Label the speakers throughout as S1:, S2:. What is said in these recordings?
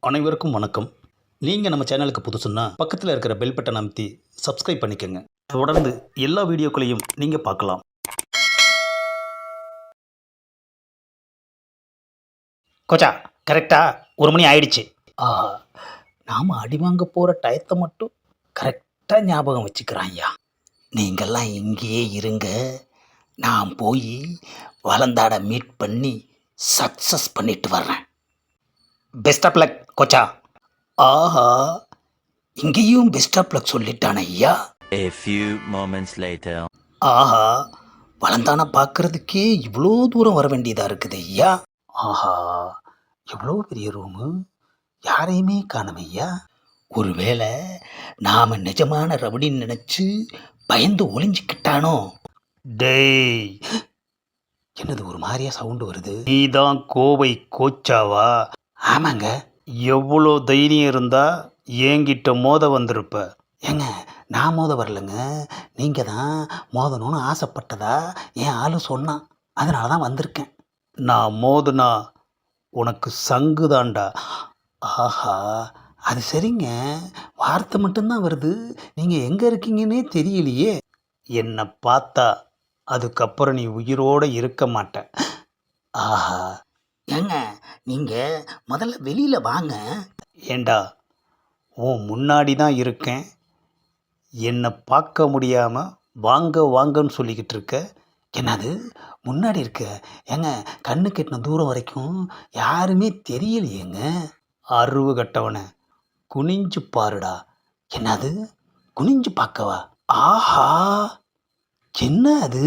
S1: அனைவருக்கும் வணக்கம். நீங்கள் நம்ம சேனலுக்கு புதுசுன்னா பக்கத்தில் இருக்கிற பெல் பட்டன் அமைத்தி சப்ஸ்கிரைப் பண்ணிக்கோங்க. தொடர்ந்து எல்லா வீடியோக்களையும் நீங்கள் பார்க்கலாம். கோச்சா, கரெக்டாக 1 மணி ஆயிடுச்சு. ஆஹா, நாம் அடி வாங்க போகிற டயத்தை மட்டும் கரெக்டாக ஞாபகம் வச்சுக்கிறான்யா. நீங்கள்லாம் இங்கேயே இருங்க, நான் போய் வளந்தாட மீட் பண்ணி சக்ஸஸ் பண்ணிட்டு வர்றேன். பெஸ்ட் ஆஃப் லக் கோச்சா. ஆஹா, இங்கேயும் பெஸ்ட் ஆஃப் லக் சொல்லிட்டான ஐயா.
S2: A few moments later.
S1: ஆஹா, வளந்தான பார்க்கறதுக்கே இவ்வளோ தூரம் வர வேண்டியதாக இருக்குது ஐயா. ஆஹா, எவ்வளோ பெரிய ரூமு, யாரையுமே காணோம் ஐயா. ஒருவேளை நாம் நிஜமான ரவுடின்னு நினச்சி பயந்து ஒளிஞ்சிக்கிட்டானோ? டேய், என்னது ஒரு மாதிரியா சவுண்டு வருது? நீதான் கோவை கோச்சாவா? ஆமாங்க. எவ்வளோ தைரியம் இருந்தா என்கிட்ட மோத வந்திருப்ப? ஏங்க, நான் மோத வரலைங்க, நீங்கள் தான் மோதணும்னு ஆசைப்பட்டதா என் ஆளு சொன்னான், அதனால தான் வந்திருக்கேன். நான் மோதுனா உனக்கு சங்கு தாண்டா. ஆஹா, அது சரிங்க, வார்த்தை மட்டும்தான் வருது, நீங்கள் எங்கே இருக்கீங்கன்னே தெரியலையே. என்னை பார்த்தா அதுக்கப்புறம் நீ உயிரோடு இருக்க மாட்ட. ஆஹா, ஏங்க நீங்கள் முதல்ல வெளியில் வாங்க. ஏண்டா, உன் முன்னாடி தான் இருக்கேன், என்னை பார்க்க முடியாமல் வாங்க வாங்கன்னு சொல்லிக்கிட்டு இருக்க. என்னது முன்னாடி இருக்க? ஏங்க, கண்ணு கெட்டின தூரம் வரைக்கும் யாருமே தெரியலையேங்க. அறிவு கட்டவனை குனிஞ்சு பாருடா. என்னது குனிஞ்சு பார்க்கவா? ஆஹா, என்ன அது,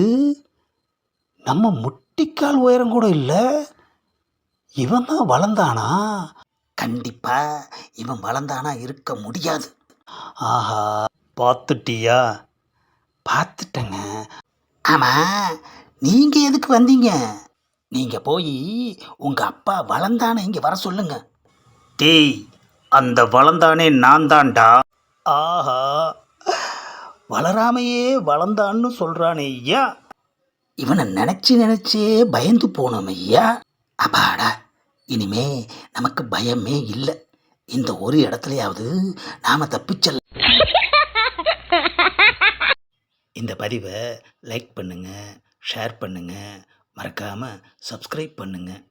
S1: நம்ம முட்டிக்கால் உயரம் கூட இல்லை. இவன் தான் வளர்ந்தானா? கண்டிப்பா இவன் வளர்ந்தானா இருக்க முடியாது. ஆஹா, பார்த்துட்டியா? பார்த்துட்டேங்க. ஆமாம், நீங்கள் எதுக்கு வந்தீங்க? நீங்கள் போய் உங்கள் அப்பா வளர்ந்தானே இங்கே வர சொல்லுங்க. டேய், அந்த வளர்ந்தானே நான் தான்டா. ஆஹா, வளராமையே வளர்ந்தான்னு சொல்கிறானே ஐயா. இவனை நினச்சே பயந்து போனோம் ஐயா. அப்பாடா, இனிமே நமக்கு பயமே இல்லை. இந்த ஒரு இடத்துலையாவது நாம் தப்பிச்சல். இந்த பதிவை லைக் பண்ணுங்கள், ஷேர் பண்ணுங்கள், மறக்காமல் சப்ஸ்கிரைப் பண்ணுங்கள்.